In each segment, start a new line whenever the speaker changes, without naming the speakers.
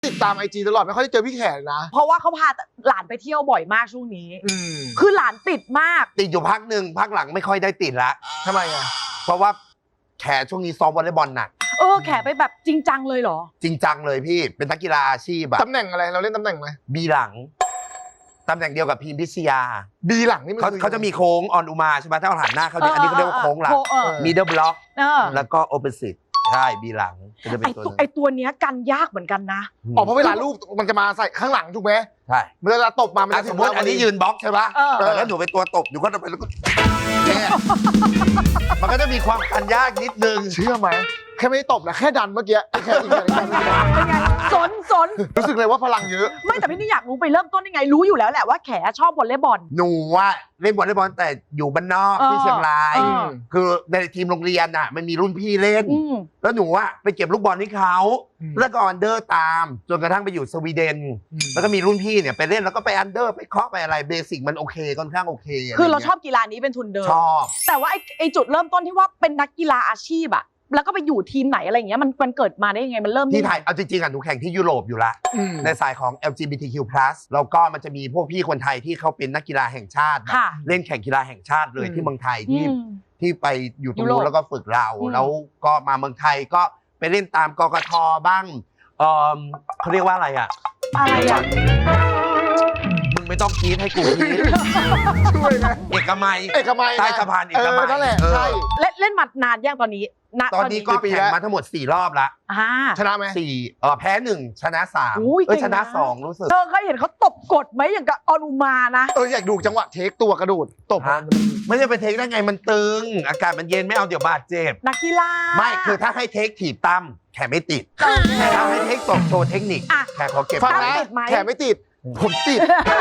ติดตามIG ตลอดไม่ค่อยได้เจอพี่แขกนะ
เพราะว่าเขาพาหลานไปเที่ยวบ่อยมากช่วงนี้คือหลานติดมาก
ติดอยู่พักหนึ่งพักหลังไม่ค่อยได้ติดละ
ทำไมอ่ะ
เพราะว่าแขช่วงนี้ซ้อมวอลเลย์บอลหนัก
แขไปแบบจริงจังเลยเหรอ
จริงจังเลยพี่เป็นนักกีฬาอาชีพแบบ
ตำแหน่งอะไรเราเล่นตำแหน่งไหม
บีหลังตำแหน่งเดียวกับพีมพิชยา
บีหลังนี่
เขาจะมีโค้งออนอุมาใช่ไหมถ้าเราหันหน้าเขาอันนี้เขาเรียกว่าโค้งหลังมิดเดิลบล็อกแล้วก็โอเปซิตใช่บีหลังจะเป็น
ตัวเนี้ยกันยากเหมือนกันนะ
เพราะเวลาลูกมันจะมาใส่ข้างหลังถูกไหม
ใช่
เวลาตบมา
สมมติอันนี้ยืนบล็อกใช่ปะแล้วหนูเป็นตัวตบอยู่ก็จะไปแล้วก็มันก็จะมีความกันยากนิดนึง
เชื่อไหมแค่ไม่ตบนะแค่ดันเมื่อกี้แค่อีกอย่าง
สน
รู้สึกเลยว่าพลังเยอะ
ไม่แต่พี่นี่อยากรู้ไปเริ่มต้นยังไงรู้อยู่แล้วแหละว่าแขชอบวอลเลย์บอล
หนูว่าเล่นวอลเลย์บอลแต่อยู่บ้านนอกที่เชียงรายคือในทีมโรงเรียนอ่ะมันมีรุ่นพี่เล่นแล้วหนูว่าไปเก็บลูกบอลให้เขาแล้วก็อันเดอร์ตามจนกระทั่งไปอยู่สวีเดนแล้วก็มีรุ่นพี่เนี่ยไปเล่นแล้วก็ไปอันเดอร์ไปเคาะไปอะไรเบสิกมันโอเคค่อนข้างโอเค
คือเราชอบกีฬานี้เป็นทุนเดิม
ชอบ
แต่ว่าไอจุดเริ่มต้นที่ว่าเป็นนักกีฬาอาชีพอะแล้วก็ไปอยู่ทีมไหนอะไรอย่างเงี้ยมันเกิดมาได้ยังไงมันเริ่ม
ที่ไทยเอาจริงๆอ่ะหนูแข่งที่ยุโรปอยู่ละในสายของ LGBTQ+ แล้วก็มันจะมีพวกพี่คนไทยที่เขาเป็นนักกีฬาแห่งชาติเล่นแข่งกีฬาแห่งชาติเลยที่เมืองไทยที่ไปอยู่ตรงนู้นแล้วก็ฝึกเราแล้วก็มาเมืองไทยก็ไปเล่นตามกกท.บ้างเขาเรียกว่าอะไรอ่ะมึงไม่ต้องคิดให้กูคิด
ช่วยนะ
เอกมัยใต้สะพานเอกมัย
นั่นแหละใช่
เล่นมานานยังตอนนี้
ก็แข่งมาทั้งหมด4 รอบละ
ชนะไหม
4แพ้1ชนะ3ชนะ2รู้สึก
เคยเห็นเขาตบกดไหมอย่างกับออนุมานะ
อยากดูจังหวะเทคตัวกระโดดตบ
ไม่ใช่ไปเทคได้ไงมันตึงอากาศมันเย็นไม่เอาเดี๋ยวบาดเจ็บ
นักกีฬา
ไม่คือถ้าให้เทคถีบตั้มแขนไม่ติดแต่ถ้าให้เทคตบโชว์เทคนิคแขนขอเก็บ
ฟังนะแขนไม่ติดผมติด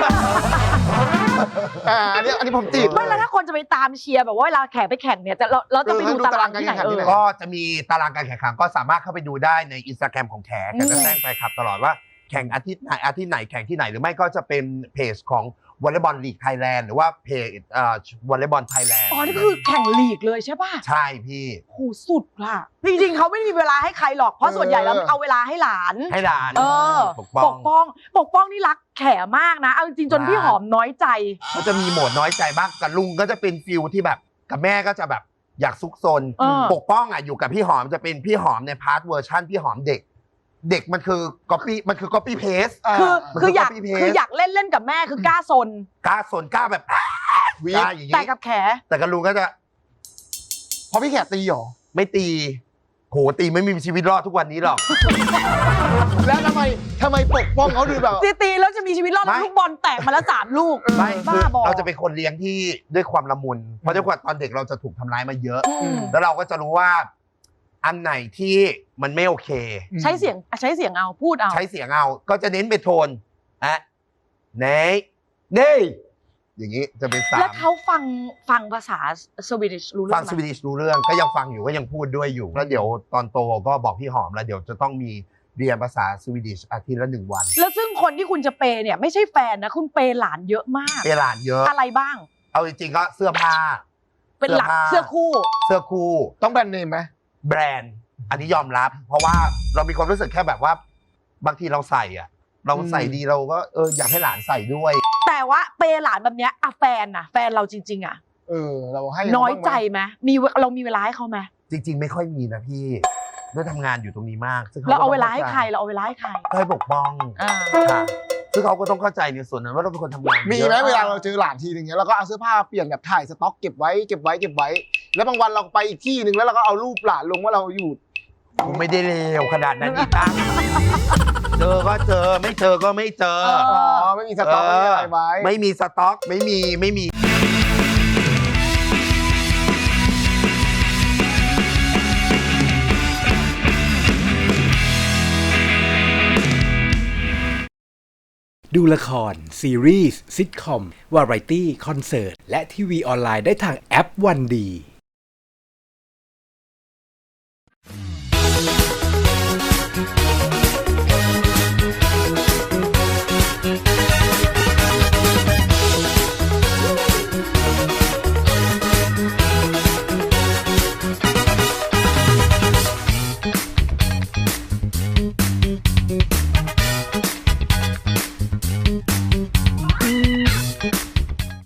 อันนี้ผมติด
ไม่แล้วถ้าคนจะไปตามเชียร์แบบว่าเวลาแข่งไปแข่งเนี่ยเราจะไปดูตารางที่ไหน
ก็จะมีตารางการแข่งขันก็สามารถเข้าไปดูได้ใน Instagram ของแขกจะแจ้งไปครับตลอดว่าแข่งอาทิตย์ไหนแข่งที่ไหนหรือไม่ก็จะเป็นเพจของวอลเลย์บอลลีกไทยแลนด์หรือว่าเพจวอลเลย์บอลไทยแลนด์
นี่คือแข่งลีกเลยใช่ป่ะ
ใช่พี่
โหสุดค่ะจริงๆเขาไม่มีเวลาให้ใครหรอกเพราะส่วนใหญ่แล้วเอาเวลาให้หลานปกป้องนี่รักแขมากนะเอาจริงจนพี่หอมน้อยใจ
เขาจะมีโหมดน้อยใจบ้างกับลุงก็จะเป็นฟิลที่แบบกับแม่ก็จะแบบอยากซุกซนปกป้องอยู่กับพี่หอมจะเป็นพี่หอมในพาร์ทเวอร์ชั่นพี่หอมเด็กมันคือก๊อปปี้เพส
คืออยากเล่นกับแม่คือกล้าซน
กล้าแบบ
วิ่งแต่กับแข
แต่กับลุงก็จะ
พอพี่แขกตีหรอ
ไม่ตีโหตีไม่มีชีวิตรอดทุกวันนี้หรอก
แล้วทำไมปกป้องเขาดูแบบ
ตีแล้วจะมีชีวิตรอดลูกบอลแตกมาแล้ว3 ลูก
ไม่เราจะเป็นคนเลี้ยงที่ด้วยความละมุนเพราะด้วยความตอนเด็กเราจะถูกทำร้ายมาเยอะแล้วเราก็จะรู้ว่าอันไหนที่มันไม่โอเค
ใช้เสียงเอาพูดเอา
ใช้เสียงเอาก็จะเน้นไปโทนเน่อย่างนี้จะเป็น
แล้วเขาฟังภาษาสวีดิชรู้เรื่อง
ฟังสวีดิชรู้เรื่องก็ยังฟังอยู่ก็ยังพูดด้วยอยู่แล้วเดี๋ยวตอนโตก็บอกพี่หอมแล้วเดี๋ยวจะต้องมีเรียนภาษาสวีดิชอาทิตย์ละ1 วัน
แล้วซึ่งคนที่คุณจะเปย์เนี่ยไม่ใช่แฟนนะคุณเปย์หลานเยอะมาก
เปย์หลานเยอะ
อะไรบ้าง
เอาจริงๆก็เสื้อผ้า
เป็นหลักเสื้อ
คู่
ต้องแบรนด์เนมไหม
แบรนด์อันนี้ยอมรับเพราะว่าเรามีความรู้สึกแค่แบบว่าบางทีเราใส่เราใส่ดีเราก็อยากให้หลานใส่ด้วย
แต่ว่าเปย์หลานแบบเนี้ยแฟนเราจริงๆ
เราให้
น้อยใจไหมเรามีเวลาให้เขาไหม
จริงๆไม่ค่อยมีนะพี่ด้วยทำงานอยู่ตรงนี้มาก
เราเอาเวลาให้ใคร
ให้ปกป้องค่ะซึ่งเขาก็ต้องเข้าใจในส่วนนั้นว่าเราเป็นคนทำงาน
มีไหมเวลาเราเจอหลานทีนึงเนี้ยเราก็เอาเสื้อผ้าเปลี่ยนแบบถ่ายสต็อกเก็บไว้แล้วบางวันเราไปอีกที่นึงแล้วเราก็เอารูปหลานลงว่าเราอยู่
ไม่ได้เลวขนาดนั้นอีกตั้งเจอก็เจอไม่เจอก็ไม่เจอ
ไม่มีสต็อกอะไรไว้
ไม่มีสต็อกไม่มี
ดูละครซีรีส์ซิทคอมวาไรตี้คอนเสิร์ตและทีวีออนไลน์ได้ทางแอปวันดี